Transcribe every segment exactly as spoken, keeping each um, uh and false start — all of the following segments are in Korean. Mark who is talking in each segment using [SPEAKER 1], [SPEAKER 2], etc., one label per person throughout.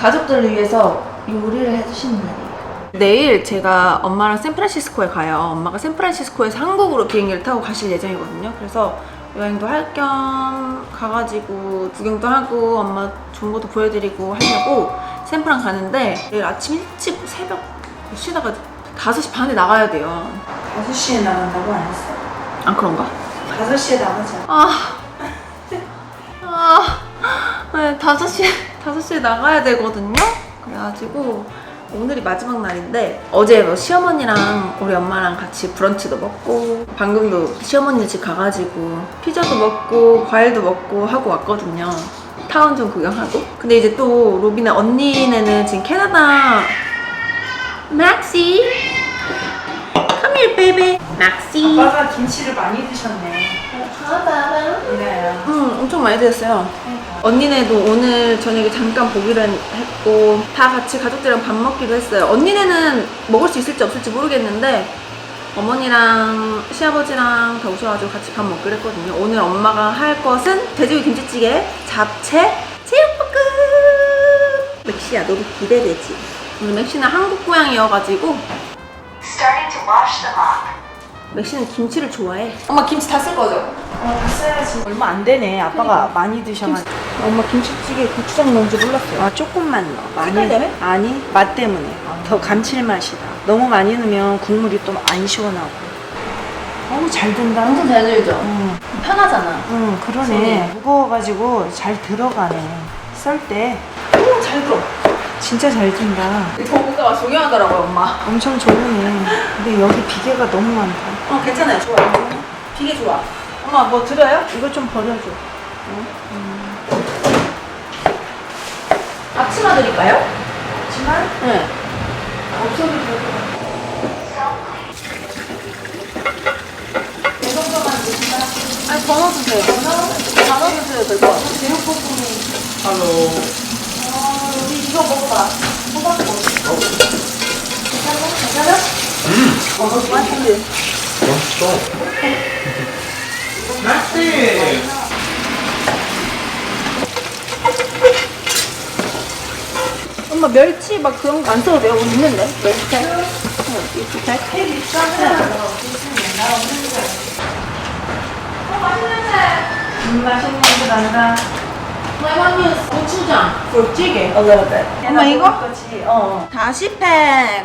[SPEAKER 1] 가족들을 위해서 요리를 해주시는 날이에요. 내일 제가 엄마랑 샌프란시스코에 가요. 엄마가 샌프란시스코에서 한국으로 비행기를 타고 가실 예정이거든요. 그래서 여행도 할 겸 가가지고 구경도 하고 엄마 좋은 것도 보여드리고 하려고 샌프란 가는데 내일 아침 일찍 새벽 몇 시에 나가지? 다섯 시 반에 나가야 돼요.
[SPEAKER 2] 다섯 시에 나간다고 안 했어?
[SPEAKER 1] 아 그런가?
[SPEAKER 2] 다섯 시에 나가자.
[SPEAKER 1] 아, 아, 네, 다섯 시에, 다섯 시에 나가야 되거든요? 그래가지고, 오늘이 마지막 날인데, 어제 뭐 시어머니랑 우리 엄마랑 같이 브런치도 먹고, 방금도 시어머니 집 가가지고, 피자도 먹고, 과일도 먹고 하고 왔거든요. 타운 좀 구경하고. 근데 이제 또, 로빈의 언니네는 지금 캐나다, 맥시! Come here, baby! 맥시!
[SPEAKER 2] 아빠가 김치를 많이 드셨네. 이래요.
[SPEAKER 1] 응, 엄청 많이 드셨어요. 언니네도 오늘 저녁에 잠깐 보기로 했고 다 같이 가족들이랑 밥 먹기로 했어요. 언니네는 먹을 수 있을지 없을지 모르겠는데 어머니랑 시아버지랑 다 오셔가지고 같이 밥 먹기로 했거든요. 오늘 엄마가 할 것은 돼지고기 김치찌개, 잡채, 제육볶음! 맥시야, 너도 기대되지? 오늘 맥시는 한국 고향이어가지고
[SPEAKER 3] Starting to wash them up.
[SPEAKER 1] 맥시는 김치를 좋아해. 엄마 김치 다 쓸 거죠?
[SPEAKER 2] 어, 다 써야지. 얼마 안 되네. 아빠가 많이 드셔가지고.
[SPEAKER 1] 엄마 김치찌개에 고추장 넣은지 몰랐어요.
[SPEAKER 2] 아, 조금만 넣어. 많이.
[SPEAKER 1] 색깔 때문에?
[SPEAKER 2] 아니, 맛 때문에. 더 감칠맛이다. 너무 많이 넣으면 국물이 또 안 시원하고. 어우, 잘 된다.
[SPEAKER 1] 완전 잘 들죠?
[SPEAKER 2] 응,
[SPEAKER 1] 편하잖아.
[SPEAKER 2] 응, 그러네.
[SPEAKER 1] 손이.
[SPEAKER 2] 무거워가지고 잘 들어가네. 썰 때.
[SPEAKER 1] 오, 잘 들어.
[SPEAKER 2] 진짜 잘 든다.
[SPEAKER 1] 전문가가 중요하더라고요, 엄마.
[SPEAKER 2] 엄청 좋으네. 근데 여기 비계가 너무 많다.
[SPEAKER 1] 어, 괜찮아요. 좋아요. 비계 좋아. 엄마, 뭐 드려요?
[SPEAKER 2] 이거 좀 버려줘.
[SPEAKER 1] 앞치마 드릴까요?
[SPEAKER 2] 하지만
[SPEAKER 1] 네.
[SPEAKER 2] 없어도 될 것 같아. 이 정도만 드신다.
[SPEAKER 1] 아니, 더 넣어주세요. 더 넣어주세요, 될 것 같아요.
[SPEAKER 2] 제육볶음이. 어, 우리 이거 먹어봐. 호박 먹어. 괜찮아? 괜찮아?
[SPEAKER 4] 음,
[SPEAKER 1] 어, 너무 맛있는데.
[SPEAKER 4] 맛있어. 맛있지?
[SPEAKER 1] 엄마, 멸치 막 그런 거 안 써도 돼요? 있는데? 멸치살? 응, 멸치살?
[SPEAKER 2] 햄 있잖아. 나 없는 거야.
[SPEAKER 1] 어, 맛있는데?
[SPEAKER 2] 음, 맛있는 거 난다.
[SPEAKER 1] My mom use 고추장 for 찌개.
[SPEAKER 2] A little bit.
[SPEAKER 1] 엄마, 이거?
[SPEAKER 2] 거지. 어.
[SPEAKER 1] 다시 팩.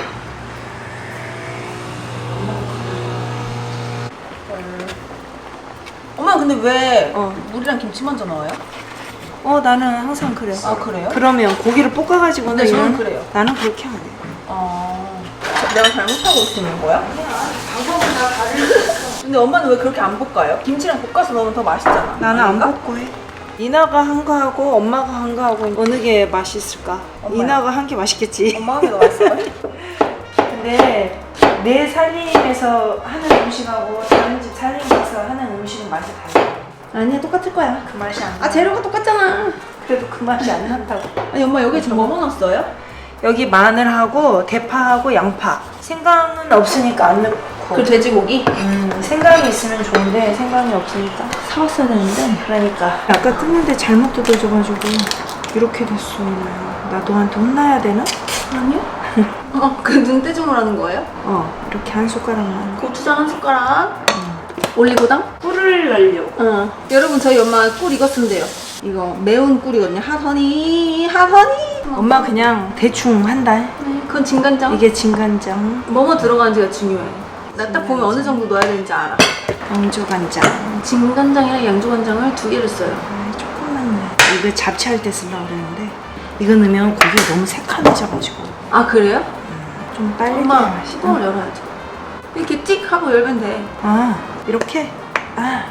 [SPEAKER 1] 엄마 근데 왜
[SPEAKER 2] 어.
[SPEAKER 1] 물이랑 김치 먼저 넣어요?
[SPEAKER 2] 어, 나는 항상 그래.
[SPEAKER 1] 아, 그래요?
[SPEAKER 2] 그러면 고기를 볶아가지고
[SPEAKER 1] 근데 저는
[SPEAKER 2] 넣으면
[SPEAKER 1] 그래요.
[SPEAKER 2] 나는 그렇게 안 해.
[SPEAKER 1] 어... 내가 잘못하고 있는 거야?
[SPEAKER 2] 방법은 다 다르겠어.
[SPEAKER 1] 근데 엄마는 왜 그렇게 안 볶아요? 김치랑 볶아서 넣으면 더 맛있잖아.
[SPEAKER 2] 나는 안
[SPEAKER 1] 아닌가?
[SPEAKER 2] 볶고 해. 이나가 한 거 하고 엄마가 한 거 하고 어느 게 맛있을까?
[SPEAKER 1] 엄마요.
[SPEAKER 2] 이나가 한 게 맛있겠지.
[SPEAKER 1] 엄마 하게 더 맛있어요?
[SPEAKER 2] 근데 내 살림에서 하는 음식하고 다른 집 살림에서 하는 음식은 맛이 달라.
[SPEAKER 1] 아니야, 똑같을 거야.
[SPEAKER 2] 그 맛이 안 나.
[SPEAKER 1] 아, 재료가 똑같잖아.
[SPEAKER 2] 그래도 그 맛이 안 난다고.
[SPEAKER 1] 아니, 엄마 여기 지금 뭐 넣었어요?
[SPEAKER 2] 여기 마늘하고 대파하고 양파. 생강은 없으니까 안 넣고.
[SPEAKER 1] 그 돼지고기?
[SPEAKER 2] 음, 생강이 있으면 좋은데 생강이 없으니까.
[SPEAKER 1] 사왔어야 되는데.
[SPEAKER 2] 그러니까 아까 뜯는데 잘못 뜯어져가지고 이렇게 됐어. 나 너한테 혼나야 되나?
[SPEAKER 1] 아니요. 어, 그 눈대중으로 거예요?
[SPEAKER 2] 어, 이렇게 한 숟가락만.
[SPEAKER 1] 고추장 한 숟가락. 올리고당?
[SPEAKER 2] 꿀을 넣으려고.
[SPEAKER 1] 어. 여러분, 저희 엄마 꿀 이거 쓴대요. 이거 매운 꿀이거든요. 핫허니, 핫허니.
[SPEAKER 2] 엄마 그냥 대충 한다.
[SPEAKER 1] 네, 그건 진간장.
[SPEAKER 2] 이게 진간장,
[SPEAKER 1] 뭐뭐 들어가는지가 중요해. 나 딱 보면 어느 정도 넣어야 되는지 알아.
[SPEAKER 2] 양조간장.
[SPEAKER 1] 진간장이랑 양조간장을 두 개를 써요.
[SPEAKER 2] 아, 조금만 넣어. 이거 잡채할 때 쓰려고 그랬는데 이거 넣으면 고기가 너무 새카매져가지고
[SPEAKER 1] 아, 그래요?
[SPEAKER 2] 좀 빨리
[SPEAKER 1] 엄마,
[SPEAKER 2] 맛이.
[SPEAKER 1] 뚜껑을 열어야지. 이렇게 찍 하고 열면 돼.
[SPEAKER 2] 아, 이렇게? 아.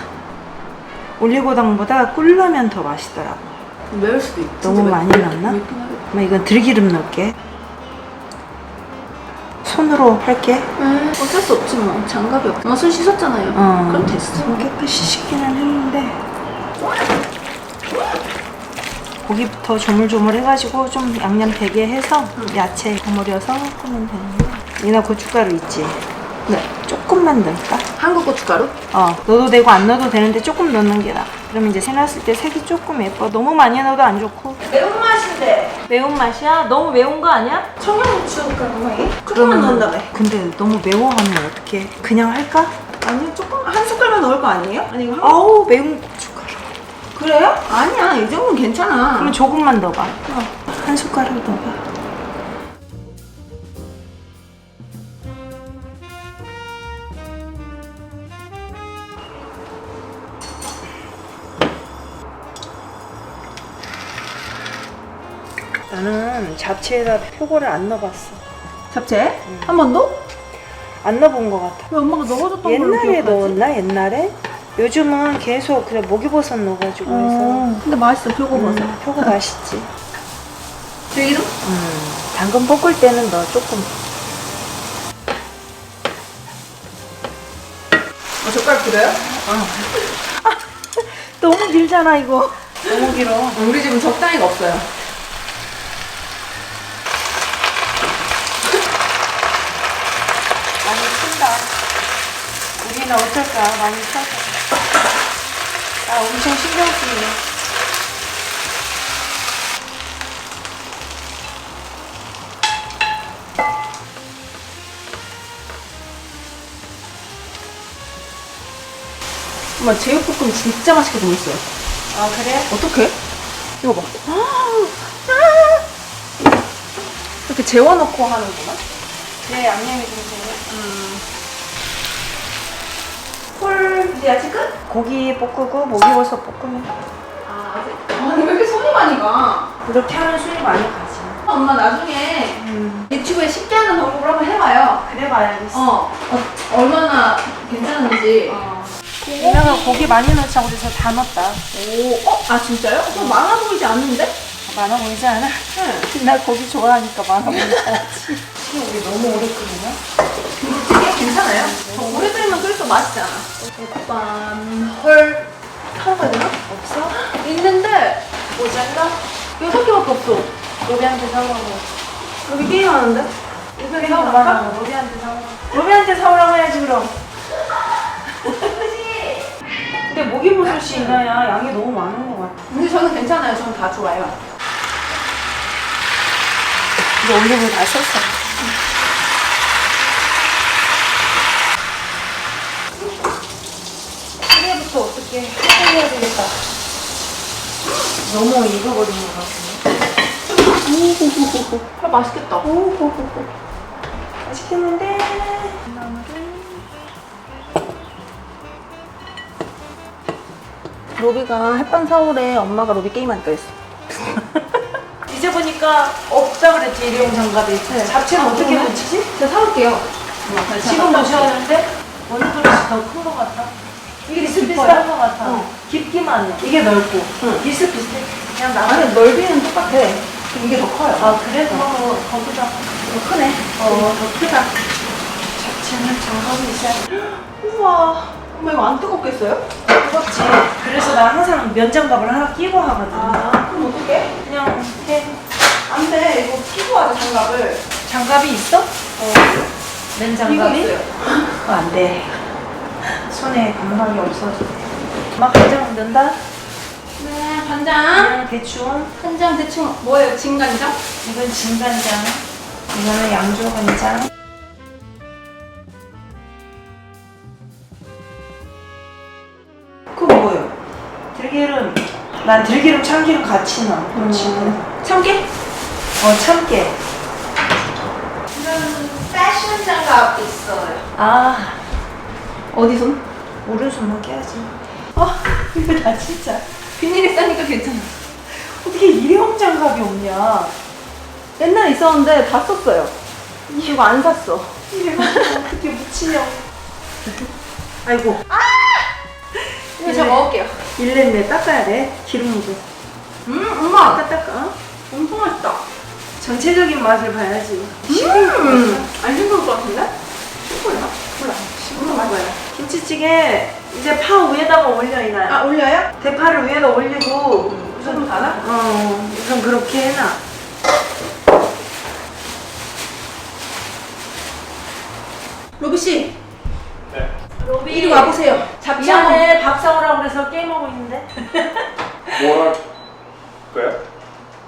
[SPEAKER 2] 올리고당보다 꿀 넣으면 더 맛있더라고.
[SPEAKER 1] 매울 수도 있지.
[SPEAKER 2] 너무
[SPEAKER 1] 매-
[SPEAKER 2] 많이
[SPEAKER 1] 매-
[SPEAKER 2] 넣었나?
[SPEAKER 1] 맵긴 하겠다.
[SPEAKER 2] 엄마 이건 들기름 넣을게. 손으로 할게.
[SPEAKER 1] 에 어쩔 수 없지 뭐. 장갑이 없. 엄마 손 씻었잖아요.
[SPEAKER 2] 어.
[SPEAKER 1] 그럼 됐어.
[SPEAKER 2] 좀 깨끗이 씻기는 했는데 고기부터 조물조물 해가지고 좀 양념 되게 해서 야채 버무려서 하면 되는데. 이나 고춧가루 있지?
[SPEAKER 1] 네.
[SPEAKER 2] 조금만 넣을까?
[SPEAKER 1] 한국 고춧가루?
[SPEAKER 2] 어, 넣어도 되고 안 넣어도 되는데 조금 넣는 게 나아. 그러면 이제 새놨을 때 색이 조금 예뻐. 너무 많이 넣어도 안 좋고
[SPEAKER 1] 매운맛인데.
[SPEAKER 2] 매운맛이야? 너무 매운 거 아니야?
[SPEAKER 1] 청양고추 가루에 조금만 넣는다며.
[SPEAKER 2] 근데 너무 매워하면 어떡해? 그냥 할까?
[SPEAKER 1] 아니 조금 한 숟갈만 넣을 거 아니에요? 아니 이거 한...
[SPEAKER 2] 아우 매운 고춧가루.
[SPEAKER 1] 그래요? 아니야 이 정도는 괜찮아.
[SPEAKER 2] 그러면 조금만 넣어봐. 한 숟가락 넣어봐. 나는 잡채에다 표고를 안 넣어봤어.
[SPEAKER 1] 잡채? 한 번도?
[SPEAKER 2] 안 넣어본 것 같아.
[SPEAKER 1] 왜 엄마가 넣어줬던 걸로
[SPEAKER 2] 옛날에
[SPEAKER 1] 기억하지?
[SPEAKER 2] 넣었나? 옛날에? 요즘은 계속 그냥 목이버섯 넣어가지고 해서
[SPEAKER 1] 어, 근데 맛있어 표고버섯.
[SPEAKER 2] 음, 표고 맛있지.
[SPEAKER 1] 들기름?
[SPEAKER 2] 음, 당근 볶을 때는 너 조금.
[SPEAKER 1] 어, 젓가락 길어요?
[SPEAKER 2] 너무 길잖아 이거. 너무 길어.
[SPEAKER 1] 우리 집은 적당히가 없어요.
[SPEAKER 2] 많이 쓴다. 우리는 어떨까? 많이 써서. 아, 엄청 신경 쓰이네.
[SPEAKER 1] 엄마 제육볶음 진짜 맛있게 생겼어요.
[SPEAKER 2] 아, 그래?
[SPEAKER 1] 어떡해? 이거 봐. 이렇게 재워놓고 하는구나.
[SPEAKER 2] 그래, 양념이 좀 되네.
[SPEAKER 1] 콜 이제 야채 끝?
[SPEAKER 2] 고기 볶고 목이버섯 볶으면
[SPEAKER 1] 아 아직. 아니 왜 이렇게 손이 많이 가?
[SPEAKER 2] 이렇게 하면 술이 많이 가지.
[SPEAKER 1] 엄마 나중에
[SPEAKER 2] 음.
[SPEAKER 1] 유튜브에 쉽게 하는 방법을 한번 해봐요.
[SPEAKER 2] 그래 봐야겠어.
[SPEAKER 1] 어, 어 얼마나 괜찮은지.
[SPEAKER 2] 어. 내가 고기 많이 넣자고 그래서 다 넣었다.
[SPEAKER 1] 오, 어? 아 진짜요? 좀 많아 보이지 않는데?
[SPEAKER 2] 많아 보이지 않아?
[SPEAKER 1] 응.
[SPEAKER 2] 나 고기 좋아하니까 많아 보이지 않지. 우리 너무 오래 끓이나?
[SPEAKER 1] 김치찌개 괜찮아요? 더 오래 끓이면 끓일수록 맛있잖아. 일단 헐 사과야 되나?
[SPEAKER 2] 없어?
[SPEAKER 1] 있는데
[SPEAKER 2] 모자라?
[SPEAKER 1] 여섯 개밖에 없어.
[SPEAKER 2] 로비한테 사오라고.
[SPEAKER 1] 여기 게임하는데?
[SPEAKER 2] 이거 사 엄마랑 로비한테 사오라고. 로비한테 사오라고 해야지 그럼. 근데 목이버섯이 이나야 양이 너무 많은 것 같아.
[SPEAKER 1] 근데 저는 괜찮아요. 저는 다 좋아요.
[SPEAKER 2] 이거 올리브 다 썼어. 시계부터 어떻게 해야 되겠다. 너무 익어버린 것 같은데.
[SPEAKER 1] 오호호호. 아, 맛있겠다. 오호호호.
[SPEAKER 2] 맛있겠는데.
[SPEAKER 1] 로비가 햇반 사오래. 엄마가 로비 게임하니까 했어.
[SPEAKER 2] 이제 보니까 없다 그랬지 일회용 장갑이. 잡채는
[SPEAKER 1] 아,
[SPEAKER 2] 어떻게
[SPEAKER 1] 그러네?
[SPEAKER 2] 묻히지?
[SPEAKER 1] 제가 사올게요.
[SPEAKER 2] 지금 묻혀야하는데 어느 그릇이 더 큰 것 같아? 이게 비슷비슷한 것 같아.
[SPEAKER 1] 어.
[SPEAKER 2] 깊기만 해. 이게 넓고.
[SPEAKER 1] 응.
[SPEAKER 2] 비슷비슷해. 그냥 나가.
[SPEAKER 1] 아니 넓이는 똑같아. 근데 이게 더 커요.
[SPEAKER 2] 아 그래? 그럼 거기다.
[SPEAKER 1] 더 크네.
[SPEAKER 2] 어, 더 크다. 잡채는 장갑이 있어야
[SPEAKER 1] 우와. 엄마 이거 안 뜨겁겠어요?
[SPEAKER 2] 뜨겁지. 그래서 나 항상 면장갑을 하나 끼고 하거든.
[SPEAKER 1] 아 그럼 어떡해?
[SPEAKER 2] 그냥 해.
[SPEAKER 1] 안 돼. 이거 끼고 하자 장갑을.
[SPEAKER 2] 장갑이 있어?
[SPEAKER 1] 어.
[SPEAKER 2] 맨
[SPEAKER 1] 이거
[SPEAKER 2] 장갑이?
[SPEAKER 1] 있어요.
[SPEAKER 2] 그거 안 돼. 손에 감각이 없어서. 막 간장 넣는다?
[SPEAKER 1] 네 간장.
[SPEAKER 2] 그냥 대충.
[SPEAKER 1] 간장 대충 뭐예요? 진간장?
[SPEAKER 2] 이건 진간장. 이거는 양조간장.
[SPEAKER 1] 그거 뭐예요?
[SPEAKER 2] 들기름. 난 들기름, 참기름 같이 넣어.
[SPEAKER 1] 음. 참깨?
[SPEAKER 2] 어, 참깨.
[SPEAKER 1] 이런 패션 장갑 있어요.
[SPEAKER 2] 아,
[SPEAKER 1] 어디 손?
[SPEAKER 2] 오른손만 깨야지.
[SPEAKER 1] 아
[SPEAKER 2] 이거 다 진짜.
[SPEAKER 1] 비닐에 싸니까 괜찮아.
[SPEAKER 2] 어떻게 일회용 장갑이 없냐?
[SPEAKER 1] 옛날에 있었는데 다 썼어요. 이거 안 샀어.
[SPEAKER 2] 일회용 장갑 어떻게 묻히냐고. 아이고.
[SPEAKER 1] 이거 제가 먹을게요.
[SPEAKER 2] 일냈네. 닦아야 돼. 기름 묻어.
[SPEAKER 1] 음 엄마
[SPEAKER 2] 닦아, 닦아.
[SPEAKER 1] 엄청 맛있다.
[SPEAKER 2] 전체적인 맛을 봐야지.
[SPEAKER 1] 음, 안 싱거울 것 같은데? 싱거워요? 몰라. 싱거운 맛이야.
[SPEAKER 2] 김치찌개 이제 파 위에다가 올려 이나야.
[SPEAKER 1] 아, 올려요?
[SPEAKER 2] 대파를 위에다 올리고
[SPEAKER 1] 우선 가나?
[SPEAKER 2] 어 우선 그렇게 해놔.
[SPEAKER 1] 로비씨,
[SPEAKER 4] 네.
[SPEAKER 2] 로비
[SPEAKER 1] 이리 와보세요. 잡채 한번.
[SPEAKER 2] 미안해 밥 사오라고 그래서 게임하고 있는데.
[SPEAKER 4] 뭐 할 거야?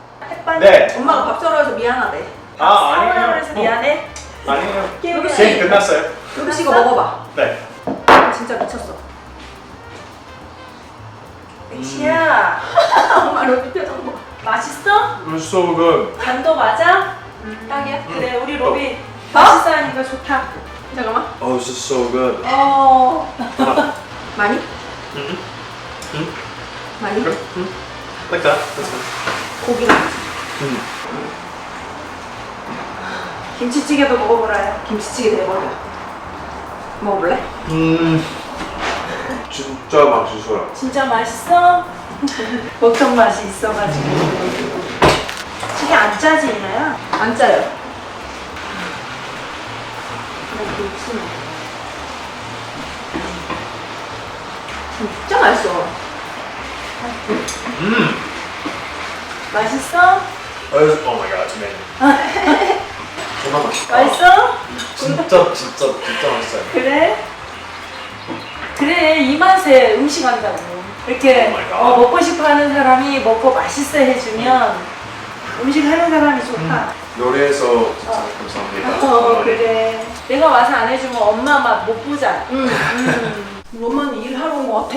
[SPEAKER 4] 네.
[SPEAKER 1] 엄마가 밥 썰어 해서 미안하대.
[SPEAKER 4] 아,
[SPEAKER 2] 사오라
[SPEAKER 4] 아니에요.
[SPEAKER 2] 그래서 미안해.
[SPEAKER 4] 아니에요.
[SPEAKER 1] 로비 씨,
[SPEAKER 4] 게임 끝났어요.
[SPEAKER 1] 로비 씨 이거 먹어봐.
[SPEAKER 4] 네.
[SPEAKER 1] 진짜 미쳤어.
[SPEAKER 2] 엑시야.
[SPEAKER 1] 엄마 로비 표정 봐.
[SPEAKER 2] 맛있어?
[SPEAKER 4] It was so good.
[SPEAKER 2] 간도 맞아?
[SPEAKER 1] 딱이야?
[SPEAKER 2] 그래 우리 로비
[SPEAKER 1] 어?
[SPEAKER 2] 맛있어 하니까 좋다.
[SPEAKER 1] 잠깐만.
[SPEAKER 4] Oh, this is so good.
[SPEAKER 2] 어.
[SPEAKER 1] 많이?
[SPEAKER 4] Mhm. Mhm.
[SPEAKER 1] 많이?
[SPEAKER 4] Okay. Mhm. Like that. That's good.
[SPEAKER 1] 고기랑
[SPEAKER 4] Mm.
[SPEAKER 2] 김치찌개도 먹어보라요.
[SPEAKER 1] 김치찌개 대박이야. 먹어볼래?
[SPEAKER 4] 음. 진짜 맛있어요.
[SPEAKER 2] 진짜 맛있어? 보통 맛이 있어가지고. 찌개 안 짜지 이나야?
[SPEAKER 1] 안 짜요. 진짜 맛있어.
[SPEAKER 4] 음.
[SPEAKER 2] 맛있어?
[SPEAKER 4] Oh my god, it's amazing. 정말 맛있다.
[SPEAKER 2] 맛있어?
[SPEAKER 4] 진짜 진짜 진짜 맛있어요.
[SPEAKER 2] 그래? 그래 이 맛에 음식 한다고 이렇게
[SPEAKER 4] Oh my God.
[SPEAKER 2] 어, 먹고 싶어 하는 사람이 먹고 맛있어 해주면 음식 하는 사람이 좋다.
[SPEAKER 4] 요리해서 진짜 감사합니다.
[SPEAKER 2] 어 그래 내가 와서 안 해주면 엄마 맛 못 보잖아.
[SPEAKER 1] 응.
[SPEAKER 2] 음.
[SPEAKER 1] 엄마는 일하러 온 것 같아.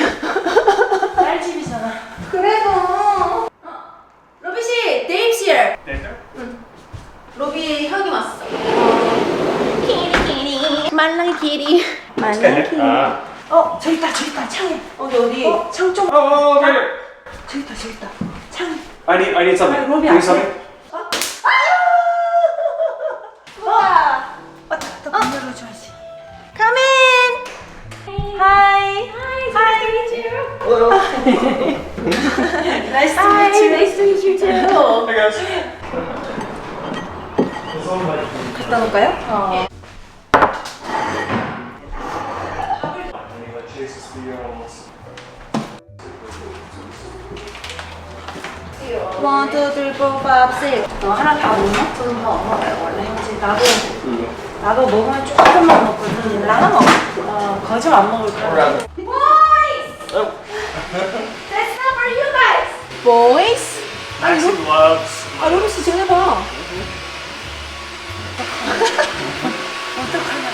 [SPEAKER 2] 딸집이잖아.
[SPEAKER 1] 그래도. 어, 로비 씨, 데이브 here.
[SPEAKER 4] 네.
[SPEAKER 1] 로비 형이 왔어. 키리 키리, 말랑이 키리, 말랑이 키리.
[SPEAKER 4] 아.
[SPEAKER 2] 어 저기 있다 저기 있다 창에.
[SPEAKER 1] 어디 어디?
[SPEAKER 2] 어, 창 좀.
[SPEAKER 4] Oh, oh, okay.
[SPEAKER 2] 저기 있다 저기 있다 창.
[SPEAKER 4] I need I need something.
[SPEAKER 2] 아, 로비
[SPEAKER 4] Can you
[SPEAKER 2] 안
[SPEAKER 4] something?
[SPEAKER 1] 우와.
[SPEAKER 2] 왔다 왔다 문 열어줘야지.
[SPEAKER 1] Come in.
[SPEAKER 2] Hi.
[SPEAKER 1] Hi, nice to meet you.
[SPEAKER 4] Hello.
[SPEAKER 2] Nice to
[SPEAKER 1] Hi,
[SPEAKER 2] meet you.
[SPEAKER 1] nice to meet you too.
[SPEAKER 4] Hey guys.
[SPEAKER 1] 갖다 놓을까요?
[SPEAKER 2] 어.
[SPEAKER 1] One, two, three, four, five, six. 너 하나 다 먹나? 저는 다안 먹어요 원래.
[SPEAKER 2] 이제 나도 나도 먹으면 조금만 먹거든.
[SPEAKER 1] 하나 먹어.
[SPEAKER 2] 어 거짓 안 먹을 거야.
[SPEAKER 1] Boys, that's not for you guys. Boys.
[SPEAKER 4] Maxie loves.
[SPEAKER 1] 아 로비 씨 전해봐.
[SPEAKER 2] 어떡하냐.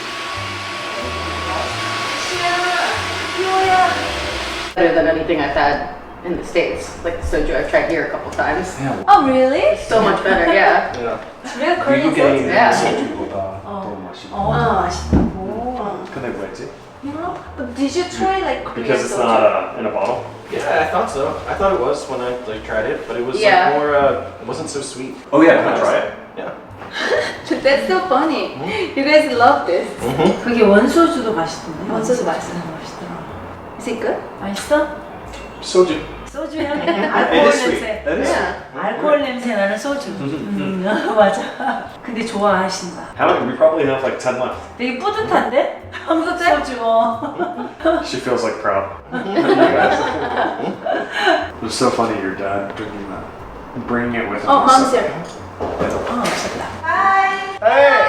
[SPEAKER 5] Better than anything I've had in the States. Like the soju I've tried here a couple times.
[SPEAKER 1] Oh really?
[SPEAKER 5] So much better, yeah.
[SPEAKER 4] Yeah.
[SPEAKER 2] Real Korean
[SPEAKER 4] 미국에 있는
[SPEAKER 5] Yeah.
[SPEAKER 4] 소주보다 더 맛있고.
[SPEAKER 2] 어 맛있다고.
[SPEAKER 4] 근데 왜지?
[SPEAKER 1] But did you try like Korean
[SPEAKER 4] Because it's
[SPEAKER 1] soju?
[SPEAKER 4] not uh, in a bottle. Yeah, I thought so. I thought it was when I like tried it, but it was
[SPEAKER 5] Yeah.
[SPEAKER 4] like more. Uh, it wasn't so sweet. Oh yeah, can I try it? Yeah.
[SPEAKER 1] That's so funny. You guys love this.
[SPEAKER 2] 그게 원소주도 맛있던데.
[SPEAKER 1] 원소주 맛있어.
[SPEAKER 2] 맛있더라.
[SPEAKER 1] Is it good?
[SPEAKER 2] 맛있어?
[SPEAKER 4] Soju.
[SPEAKER 2] 소주 향이
[SPEAKER 4] It
[SPEAKER 2] 알코올
[SPEAKER 4] is sweet.
[SPEAKER 2] 냄새.
[SPEAKER 4] It is.
[SPEAKER 1] Yeah.
[SPEAKER 2] 알코올 냄새 나는 소주. 음, 맞아. 근데 좋아하신다.
[SPEAKER 4] How many? We probably have like ten left.
[SPEAKER 2] 되게 뿌듯한데? 뿌듯해? 소주. 어.
[SPEAKER 4] She feels like proud. You guys. It was so funny. Your dad bringing that, bringing it with him.
[SPEAKER 1] Oh, mom's here.
[SPEAKER 2] 어, 없었다.
[SPEAKER 4] Hey.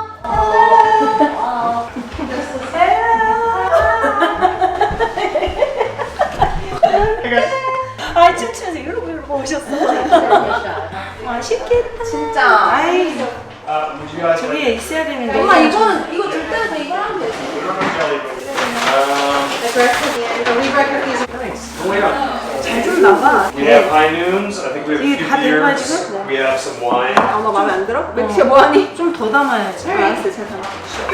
[SPEAKER 4] Hey guys.
[SPEAKER 2] 아, 춤추면서 이러고 이러고 오셨어. 맛있겠다.
[SPEAKER 1] 진짜.
[SPEAKER 2] 아이,
[SPEAKER 4] Uh, would you guys
[SPEAKER 2] 저기에 있어야 되는 데.
[SPEAKER 1] 엄마 이거는 이거 줄 때는 이걸 하면 되지.
[SPEAKER 4] Um,
[SPEAKER 1] The breakfast, the re-breakfast.
[SPEAKER 4] thanks. Oh yeah.
[SPEAKER 2] 잘 줬나 봐.
[SPEAKER 4] We have high noons. I think we have a
[SPEAKER 2] 이게
[SPEAKER 4] few
[SPEAKER 2] 다 된 거야,
[SPEAKER 4] beers.
[SPEAKER 2] 지금?
[SPEAKER 4] We have some wine.
[SPEAKER 1] 엄마 마음에 안 들어? 맥주가 뭐하니?
[SPEAKER 2] 좀 더 담아야지.
[SPEAKER 1] 알았어, 잘 담아.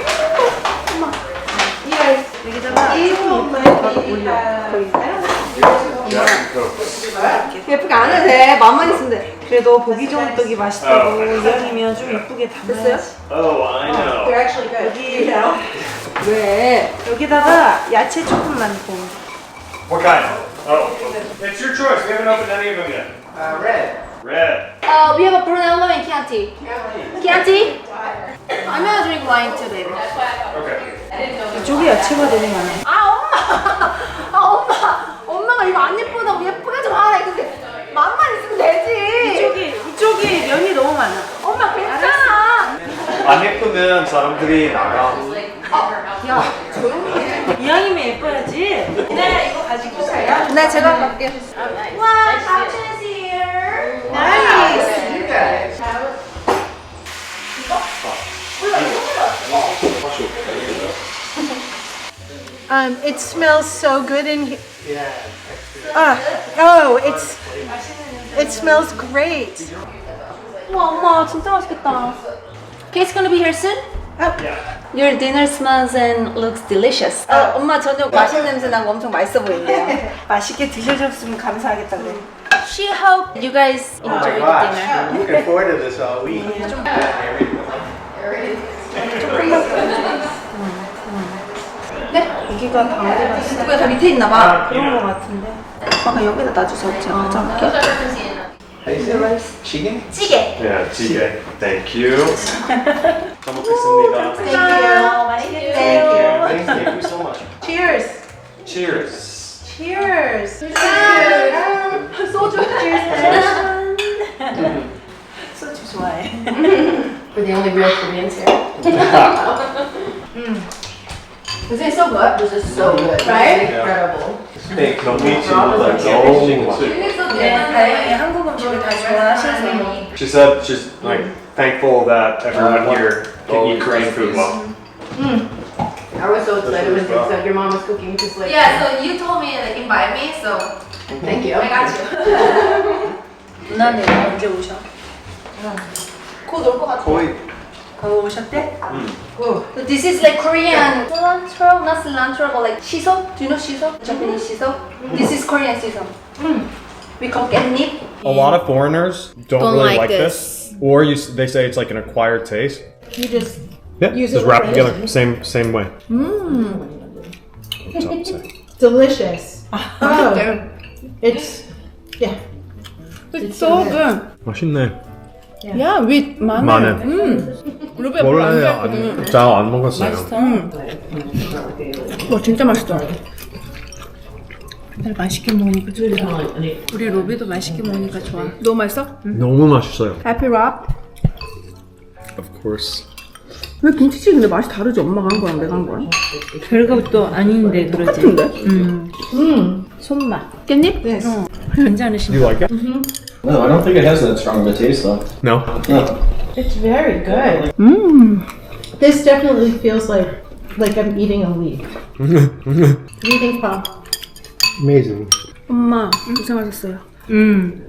[SPEAKER 2] 여기다가 조금 이쁘게 밥 올려.
[SPEAKER 4] Jack and Coke.
[SPEAKER 1] 예쁘게 안 해도 돼. 맘만 있으면 돼.
[SPEAKER 2] 그래도 보기 좋은 떡이 맛있다고
[SPEAKER 4] 어.
[SPEAKER 2] 이왕이면 좀 이쁘게 담아야지.
[SPEAKER 4] Oh, I know.
[SPEAKER 1] actually good.
[SPEAKER 2] 여기
[SPEAKER 1] 왜?
[SPEAKER 2] 여기다가 야채 조금만 더.
[SPEAKER 4] What kind? Oh, it's your choice. We haven't opened any of them yet.
[SPEAKER 6] Uh, red.
[SPEAKER 4] Red.
[SPEAKER 1] Uh, we have a Brunello and Chianti. Chianti? I'm gonna drink wine too, baby.
[SPEAKER 4] Okay.
[SPEAKER 2] 이쪽에 야채가 되게 많아.
[SPEAKER 1] 아 엄마! 아 엄마! 엄마가 이거 안 예쁘다고 예쁘게 좀 하래. 근데 맘만 있으면 되지.
[SPEAKER 2] 이쪽이 이쪽이 면이 너무 많아.
[SPEAKER 1] 엄마 괜찮아.
[SPEAKER 4] 안 예쁘면 사람들이 나가.
[SPEAKER 1] 야 조용히 해.
[SPEAKER 2] 이왕이면 예뻐야지. 네, 이거 가지고 있어요.
[SPEAKER 1] 네 제가 갈게요. 와, 삼촌's here. 나연이
[SPEAKER 5] guys.
[SPEAKER 2] Um, it smells so good in here. Ah, oh, it's it smells great.
[SPEAKER 1] 와 엄마 진짜 맛있겠다. Kate's gonna be here soon? Your dinner smells and looks delicious. 아, 엄마 저녁 맛있는 냄새 나고 엄청 맛있어 보이는데요.
[SPEAKER 2] 맛있게 드셔줬으면 감사하겠다 그래.
[SPEAKER 1] She hope you guys
[SPEAKER 6] Oh my
[SPEAKER 1] enjoy the
[SPEAKER 6] gosh,
[SPEAKER 1] dinner.
[SPEAKER 6] I'm looking forward to this all week.
[SPEAKER 2] 고기가 다 어디 갔어?
[SPEAKER 1] 누가 다 밑에 있나 봐.
[SPEAKER 2] 그런 거 같은데.
[SPEAKER 1] 아까 여기다 놔주세요. 제가 가져올게요.
[SPEAKER 6] How do you say rice? Chicken?
[SPEAKER 1] 찌개.
[SPEAKER 4] Yeah, 찌개. Thank you. 잘 먹겠습니다.
[SPEAKER 2] Thank you. 맛있게
[SPEAKER 6] Thank
[SPEAKER 2] 드세요.
[SPEAKER 6] you. Thank, thank you so much.
[SPEAKER 2] Cheers.
[SPEAKER 4] Cheers.
[SPEAKER 2] Cheers.
[SPEAKER 1] 소주.
[SPEAKER 2] 소주 좋아해.
[SPEAKER 5] We're the only real Koreans here. This is so good. This is so good. Right? Incredible.
[SPEAKER 6] Steak.
[SPEAKER 4] 너무 like 너무 맛있어.
[SPEAKER 2] 네, 다행히 한국 음식을 다 좋아하셔서.
[SPEAKER 4] She said she's like thankful that everyone here can eat Korean food well.
[SPEAKER 5] I was so excited when you said your mom was cooking because like
[SPEAKER 1] Yeah, so you told me like invite me, so
[SPEAKER 5] thank you.
[SPEAKER 1] I got you.
[SPEAKER 2] 누나는 언제 오셔?
[SPEAKER 1] 곧 올 것 같아.
[SPEAKER 6] 거의
[SPEAKER 2] 거기 오셨대?
[SPEAKER 1] So this is like Korean cilantro, not cilantro, but like shiso. Do you know shiso? Japanese shiso. This is Korean shiso. We call catnip.
[SPEAKER 7] A lot of foreigners don't,
[SPEAKER 1] Don't
[SPEAKER 7] really
[SPEAKER 1] like
[SPEAKER 7] like, this. or you, s- they say it's like an acquired taste.
[SPEAKER 2] You just
[SPEAKER 7] Yeah,
[SPEAKER 2] Use
[SPEAKER 7] just
[SPEAKER 2] it
[SPEAKER 7] wrap
[SPEAKER 2] with
[SPEAKER 7] together, same same way. Mmm.
[SPEAKER 2] delicious. Oh, it's yeah.
[SPEAKER 1] It's so good.
[SPEAKER 7] 맛있네.
[SPEAKER 1] Yeah, with 마늘.
[SPEAKER 7] 마늘.
[SPEAKER 1] 음. 루베 별로 안
[SPEAKER 7] 원래
[SPEAKER 1] 좋아했거든.
[SPEAKER 7] 잘안 먹었어요.
[SPEAKER 1] 와 진짜 맛있어. 다들 맛있게 먹으니까 좋다. 우리 로비도 맛있게 먹으니까 좋아. 너무 맛있어?
[SPEAKER 7] 너무 맛있어요.
[SPEAKER 1] Happy Rob?
[SPEAKER 7] Of course.
[SPEAKER 1] 왜 김치찌개 근데 맛이 다르지? 엄마가 한 거랑 내가 한 거랑?
[SPEAKER 8] 별것도 아닌데 그러지.
[SPEAKER 1] 같은데?
[SPEAKER 8] 음. 손맛.
[SPEAKER 1] 깻잎?
[SPEAKER 2] Yes.
[SPEAKER 8] 어. 괜찮으신
[SPEAKER 7] Do you like it?
[SPEAKER 6] No, I don't think it has that strong of a taste though.
[SPEAKER 7] No.
[SPEAKER 6] No.
[SPEAKER 2] It's very good.
[SPEAKER 1] 음.
[SPEAKER 2] This definitely feels like like I'm eating a leaf. What do you think, Pop?
[SPEAKER 7] Amazing.
[SPEAKER 1] 엄마 고생하셨어요.
[SPEAKER 8] 음.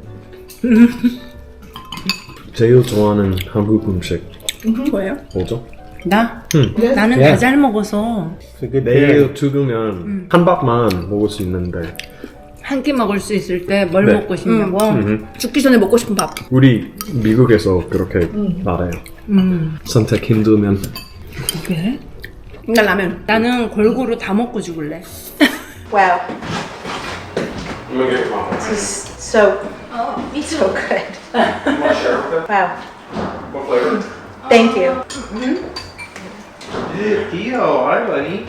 [SPEAKER 7] 제일 좋아하는 한국 음식
[SPEAKER 1] 뭐예요?
[SPEAKER 7] 뭐죠?
[SPEAKER 8] 나?
[SPEAKER 7] 응.
[SPEAKER 8] 나는
[SPEAKER 7] 예.
[SPEAKER 8] 다 잘 먹어서
[SPEAKER 7] 그게 내일 죽으면 한 밥만 먹을 수 있는데
[SPEAKER 8] 한 끼 먹을 수 있을 때 뭘
[SPEAKER 7] 네.
[SPEAKER 8] 먹고 싶냐고.
[SPEAKER 7] 음.
[SPEAKER 1] 죽기 전에 먹고 싶은 밥.
[SPEAKER 7] 우리 미국에서 그렇게 말해요.
[SPEAKER 8] 음.
[SPEAKER 7] 선택 힘들면
[SPEAKER 8] 그래?
[SPEAKER 1] 나 라면.
[SPEAKER 8] 나는 골고루 다 먹고 죽을래.
[SPEAKER 2] Wow,
[SPEAKER 4] I'm gonna get your mom.
[SPEAKER 2] this is so
[SPEAKER 1] 어, me too.
[SPEAKER 2] so good.
[SPEAKER 4] You want to share with her?
[SPEAKER 2] Wow,
[SPEAKER 4] What flavor?
[SPEAKER 2] thank you.
[SPEAKER 6] Dio, hi buddy.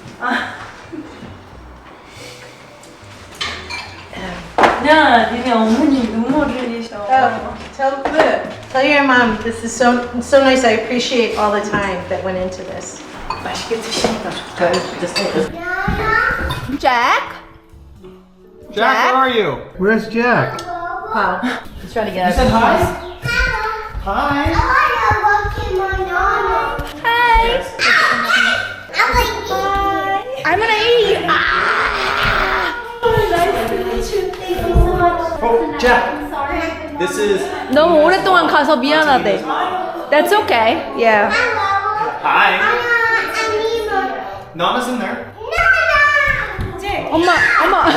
[SPEAKER 8] 야, 니네 어머니 눈물 흘리셔.
[SPEAKER 2] Oh, tell tell your mom this is so so nice. I appreciate all the time that went into this. 맛있게 드시니까 좋다.
[SPEAKER 1] Jack?
[SPEAKER 7] Jack, where are you? Where's Jack?
[SPEAKER 2] Wow.
[SPEAKER 5] Let's try to get out.
[SPEAKER 6] Hi.
[SPEAKER 1] I'm gonna eat.
[SPEAKER 6] Oh, Jack. This is.
[SPEAKER 1] 너무 오랫동안 가서 미안하대. That's okay. Yeah.
[SPEAKER 6] Hi. Nana's in there.
[SPEAKER 1] 엄마, 엄마.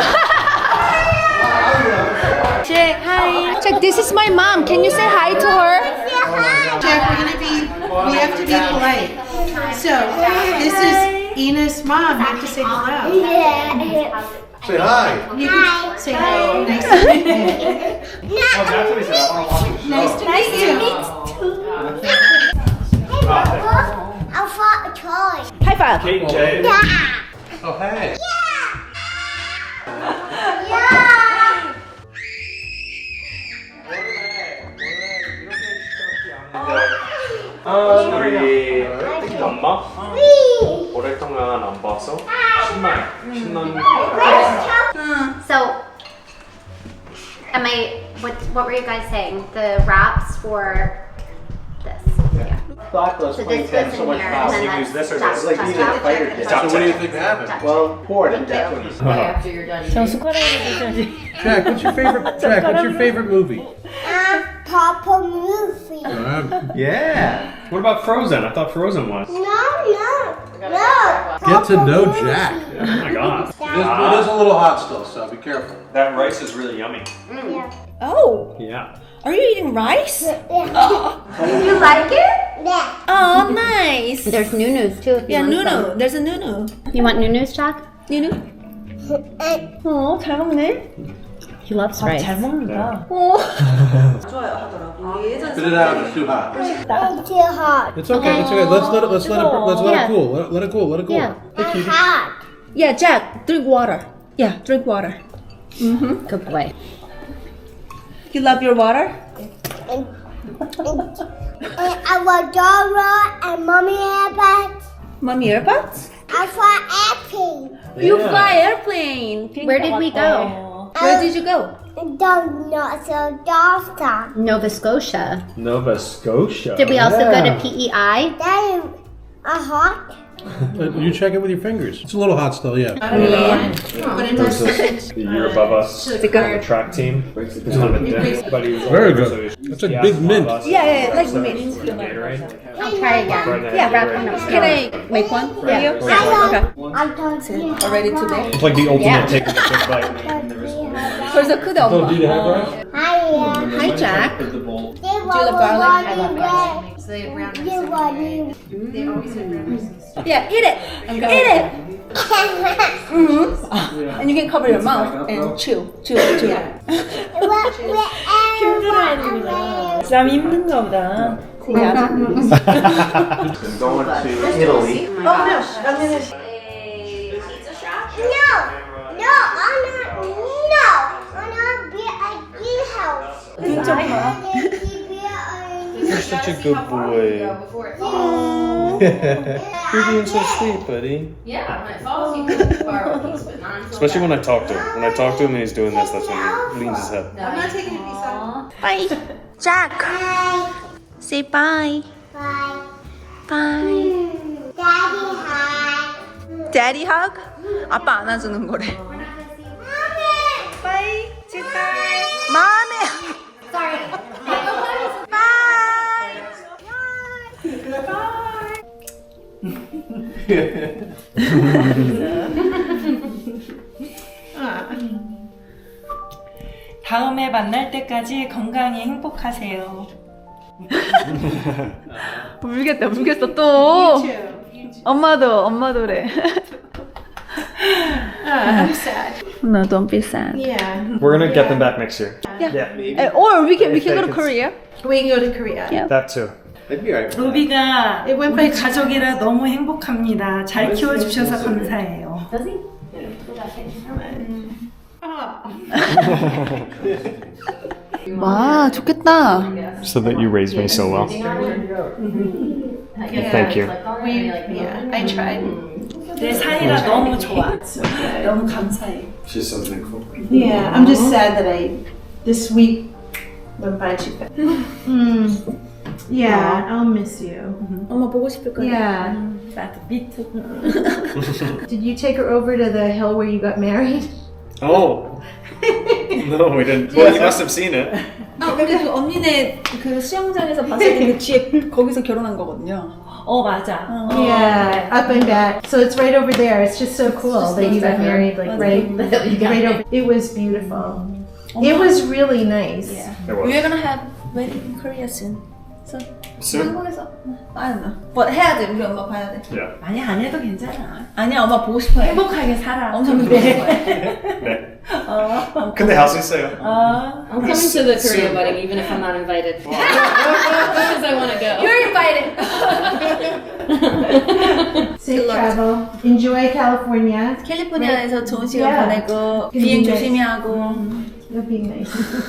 [SPEAKER 1] Jack, hi. Jack, this is my mom. Can you say hi to her?
[SPEAKER 2] Jack, we're gonna be. We have to be polite. So this is Ina's mom. You have to say hello.
[SPEAKER 6] Say hi.
[SPEAKER 2] You can say hello. Nice to meet you.
[SPEAKER 6] Oh, that's what he said. I want to watch the show.
[SPEAKER 2] Nice to meet you.
[SPEAKER 3] I fought a toy.
[SPEAKER 1] High five.
[SPEAKER 4] Kate, Jay.
[SPEAKER 6] Oh, hey.
[SPEAKER 4] 우리 엄마 오랫동안 안 봐서 신나 신난.
[SPEAKER 3] So, am I
[SPEAKER 9] what what were you guys saying? The wraps for this. Yeah.
[SPEAKER 6] Thoughtless
[SPEAKER 9] So
[SPEAKER 6] playing
[SPEAKER 9] this
[SPEAKER 6] tennis
[SPEAKER 9] goes
[SPEAKER 6] so
[SPEAKER 9] in
[SPEAKER 6] much
[SPEAKER 9] here,
[SPEAKER 6] power.
[SPEAKER 9] and then
[SPEAKER 6] You use
[SPEAKER 9] that's
[SPEAKER 6] this or
[SPEAKER 9] Jack-
[SPEAKER 6] this? Like
[SPEAKER 9] Jack-
[SPEAKER 6] you
[SPEAKER 9] Jack-
[SPEAKER 6] did a fighter
[SPEAKER 9] Jack-
[SPEAKER 6] did.
[SPEAKER 9] Jack-
[SPEAKER 6] So what do you
[SPEAKER 9] Jack-
[SPEAKER 6] think happened?
[SPEAKER 9] Jack-
[SPEAKER 6] Well, pour it and
[SPEAKER 9] Thank
[SPEAKER 6] that's
[SPEAKER 9] you.
[SPEAKER 6] what he
[SPEAKER 5] Okay, after you're done
[SPEAKER 8] 저
[SPEAKER 5] eating.
[SPEAKER 8] 숟가락으로 드셔야지.
[SPEAKER 6] Jack, what's your favorite Jack, what's your favorite movie?
[SPEAKER 10] Papa movie.
[SPEAKER 6] Yeah.
[SPEAKER 7] What about Frozen? I thought Frozen was.
[SPEAKER 10] No, no, no.
[SPEAKER 6] Get to know Jack.
[SPEAKER 7] Oh my god.
[SPEAKER 6] It is, it is a little hot still, so be careful.
[SPEAKER 7] That rice is really yummy.
[SPEAKER 2] Oh,
[SPEAKER 7] Yeah.
[SPEAKER 2] are you eating rice?
[SPEAKER 9] You like it?
[SPEAKER 10] Yeah.
[SPEAKER 2] Oh, nice.
[SPEAKER 9] There's Nunu's too. If you
[SPEAKER 2] Yeah,
[SPEAKER 9] want
[SPEAKER 2] Nunu.
[SPEAKER 9] some.
[SPEAKER 2] There's a Nunu.
[SPEAKER 9] You want Nunu's, Jack?
[SPEAKER 2] Nunu? 어, 잘 먹네.
[SPEAKER 9] He loves
[SPEAKER 8] 아,
[SPEAKER 9] rice.
[SPEAKER 8] 잘 먹는다.
[SPEAKER 2] 좋아요 하더라고. 예전
[SPEAKER 6] Spit it out, it's too hot.
[SPEAKER 10] It's too hot.
[SPEAKER 6] It's okay, it's okay. Let's let it let's let it let's let
[SPEAKER 9] Yeah.
[SPEAKER 6] it cool. Let it, let it cool, let it cool.
[SPEAKER 9] Yeah.
[SPEAKER 10] It's hot.
[SPEAKER 2] Yeah, Jack, drink water. Yeah, drink water.
[SPEAKER 9] Good boy.
[SPEAKER 2] You love your water?
[SPEAKER 10] And, and, and I want Dora and Mommy Airbags.
[SPEAKER 2] Mommy earbuds?
[SPEAKER 10] I fly airplane.
[SPEAKER 2] You fly airplane.
[SPEAKER 9] Where did we go?
[SPEAKER 2] Where did you go?
[SPEAKER 10] Don't know so Dawson.
[SPEAKER 9] Nova Scotia.
[SPEAKER 7] Nova Scotia.
[SPEAKER 9] Did we also go to P E I?
[SPEAKER 10] That is a hot.
[SPEAKER 6] Uh, You check it with your fingers. It's a little hot still, yeah.
[SPEAKER 7] There's this the year above us on the track team. He's on the deck, but he was
[SPEAKER 6] Very
[SPEAKER 7] older,
[SPEAKER 6] good.
[SPEAKER 7] so he was-
[SPEAKER 6] That's a
[SPEAKER 7] he
[SPEAKER 6] big
[SPEAKER 7] asked
[SPEAKER 6] mint.
[SPEAKER 7] above us.
[SPEAKER 2] Yeah, yeah, yeah, like
[SPEAKER 7] So
[SPEAKER 2] mint.
[SPEAKER 7] it's the Gatorade.
[SPEAKER 9] I'll try again.
[SPEAKER 7] Right there,
[SPEAKER 2] Yeah,
[SPEAKER 7] Gatorade.
[SPEAKER 2] Can I make one for
[SPEAKER 9] Yeah.
[SPEAKER 2] you?
[SPEAKER 10] I
[SPEAKER 2] Okay.
[SPEAKER 10] don't, I don't see
[SPEAKER 2] Already today?
[SPEAKER 7] It's like the ultimate
[SPEAKER 9] Yeah.
[SPEAKER 7] taking a big bite.
[SPEAKER 2] 벌써 크대 엄마.
[SPEAKER 6] Do you have rice?
[SPEAKER 10] Hi,
[SPEAKER 2] Hi Jack.
[SPEAKER 10] they
[SPEAKER 2] Do you love garlic? I love garlic.
[SPEAKER 9] So they have brown
[SPEAKER 10] You want me?
[SPEAKER 2] Yeah, eat it. Eat it. Mm-hmm. And you can cover your mouth and chew, chew, chew.
[SPEAKER 10] 힘들어야
[SPEAKER 8] 쌈 힘든가 보다.
[SPEAKER 4] Going to Italy.
[SPEAKER 10] No, no, I'm not. No, I'm not be at your house.
[SPEAKER 2] 진짜 봐.
[SPEAKER 7] You're such a good boy. You're being so sweet, buddy.
[SPEAKER 5] Yeah, when it falls, you can borrow a piece, but not until
[SPEAKER 7] Especially when I talk to him. When I talk to him and he's doing this, that's when he leans his head.
[SPEAKER 5] I'm not taking a piece out.
[SPEAKER 2] Bye. Jack.
[SPEAKER 10] Bye.
[SPEAKER 2] Say bye.
[SPEAKER 10] Bye.
[SPEAKER 2] Bye.
[SPEAKER 10] Daddy, hi.
[SPEAKER 2] Daddy hug? 아빠 안아주는 거래. Bye. Say bye. mommy.
[SPEAKER 9] Sorry.
[SPEAKER 8] 다음에 만날 때까지 건강히 행복하세요.
[SPEAKER 2] 울겠다, 울겠어 또. 엄마도, 엄마도래. No, don't be sad.
[SPEAKER 7] We're gonna get them back next year.
[SPEAKER 2] Uh, Or we can we can go to Korea.
[SPEAKER 1] We can go to Korea.
[SPEAKER 2] Yeah.
[SPEAKER 7] That too.
[SPEAKER 6] That'd be alright.
[SPEAKER 8] 루비가
[SPEAKER 1] It went
[SPEAKER 8] 우리
[SPEAKER 1] by
[SPEAKER 8] 가족이라 너무 행복합니다. 잘 키워주셔서 감사해요.
[SPEAKER 2] 와, 좋겠다.
[SPEAKER 7] So that you raised me so well. Thank you.
[SPEAKER 1] Yeah, I tried.
[SPEAKER 8] 내 사이라 너무 좋아. 너무 감사해.
[SPEAKER 4] She's so thankful.
[SPEAKER 1] Yeah, I'm just sad that I this week went by too fast. Mm. Yeah, I'll miss you.
[SPEAKER 2] 엄마 보고 싶을 거야.
[SPEAKER 1] Yeah.
[SPEAKER 8] 나도 미트.
[SPEAKER 1] Did you take her over to the hill where you got married?
[SPEAKER 7] Oh. No, we didn't. Well, you must have seen it.
[SPEAKER 2] 아, 근데 그 언니네 그 수영장에서 봤을 때 그 뒤에 거기서 결혼한 거거든요.
[SPEAKER 8] 어 맞아.
[SPEAKER 1] Yeah, up and back. So it's right over there. It's just so cool that you got married like right, right over. It was beautiful. It was really nice.
[SPEAKER 7] It was.
[SPEAKER 2] We're gonna have wedding in Korea soon. So
[SPEAKER 7] Soon?
[SPEAKER 2] 한국에서 I don't know. But 해야 돼. 우리 엄마 봐야 돼.
[SPEAKER 7] Yeah.
[SPEAKER 8] 많이 안 해도 괜찮아.
[SPEAKER 2] 아니야, 엄마 보고 싶어요.
[SPEAKER 8] 행복하게 살아.
[SPEAKER 2] 엄청 보고 싶어요.
[SPEAKER 7] 네. 근데 할 수 있어요.
[SPEAKER 8] 어.
[SPEAKER 5] I'm coming to the Korea wedding even if I'm not invited. Because I want to go.
[SPEAKER 2] You're invited.
[SPEAKER 1] Safe travel. Enjoy California.
[SPEAKER 2] 캘리포니아에서 좋은 시간
[SPEAKER 1] Yeah.
[SPEAKER 2] 보내고 비행 조심히 하고.
[SPEAKER 1] It'll be nice.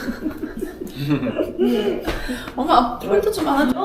[SPEAKER 2] 엄마 뿔도 좀 안아줘.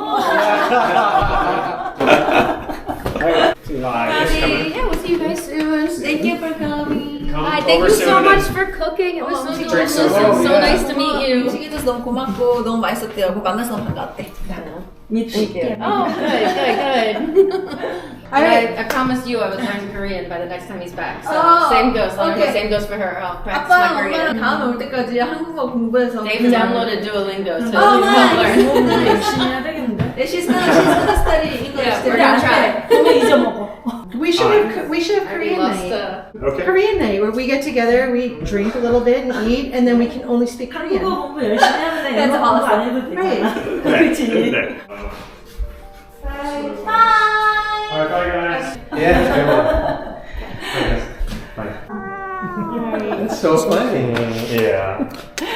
[SPEAKER 7] Live is coming.
[SPEAKER 9] Yeah, we'll see you guys soon.
[SPEAKER 2] Thank you for coming.
[SPEAKER 7] come
[SPEAKER 11] Hi, thank
[SPEAKER 7] over
[SPEAKER 11] you so
[SPEAKER 7] soon
[SPEAKER 11] much
[SPEAKER 7] and
[SPEAKER 11] for cooking. It was so
[SPEAKER 1] 음식
[SPEAKER 11] delicious
[SPEAKER 7] so
[SPEAKER 11] and
[SPEAKER 7] good.
[SPEAKER 11] so nice to meet you.
[SPEAKER 1] 음식해줘서 너무 고맙고 너무 맛있었대요. 그 만나서 너무 반가웠대.
[SPEAKER 2] 미칠게.
[SPEAKER 11] Oh, good, good, good. And I, I promised you I would learn Korean by the next time he's back. So
[SPEAKER 1] Oh,
[SPEAKER 11] same goes. I'll learn-
[SPEAKER 1] okay.
[SPEAKER 11] Same goes for her. I'll practice
[SPEAKER 1] 아빠랑
[SPEAKER 11] my
[SPEAKER 1] 엄마랑
[SPEAKER 11] Korean.
[SPEAKER 1] 다음에 올 때까지 한국어 공부해서
[SPEAKER 11] They've downloaded Duolingo, so
[SPEAKER 1] Oh,
[SPEAKER 11] we'll
[SPEAKER 1] nice.
[SPEAKER 11] learn.
[SPEAKER 8] 열심히 해야 되겠는데.
[SPEAKER 1] Yeah, she's gonna she's gonna study English.
[SPEAKER 11] Yeah, we're gonna try.
[SPEAKER 2] 그러면 잊어먹어.
[SPEAKER 8] We should have we should have
[SPEAKER 11] I already
[SPEAKER 8] Korean
[SPEAKER 11] lost.
[SPEAKER 8] night.
[SPEAKER 11] Uh,
[SPEAKER 7] Okay.
[SPEAKER 8] Korean night where we get together, we drink a little bit and eat, and then we can only speak Korean.
[SPEAKER 2] 한국어 공부 열심히 하면 영어 공부 안 해도 되잖아.
[SPEAKER 7] Okay,
[SPEAKER 2] 그치?
[SPEAKER 7] good day. Alright, bye guys.
[SPEAKER 4] Yeah, come on.
[SPEAKER 7] Bye.
[SPEAKER 4] That's so funny.
[SPEAKER 7] Yeah.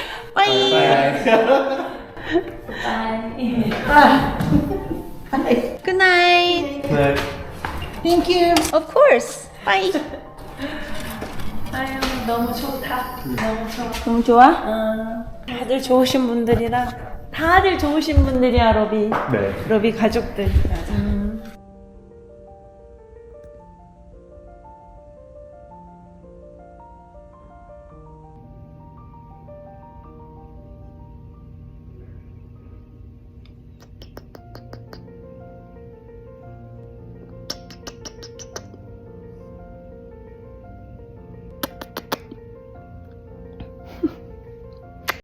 [SPEAKER 1] Good night.
[SPEAKER 7] Good.
[SPEAKER 1] Thank you. Of course. Bye.
[SPEAKER 2] 아유, 너무 좋다. 너무 좋아.
[SPEAKER 1] 너무 좋아?
[SPEAKER 2] 어, 다들 좋으신 분들이라 다들 좋으신 분들이야, 로비.
[SPEAKER 7] 네.
[SPEAKER 2] 로비 가족들.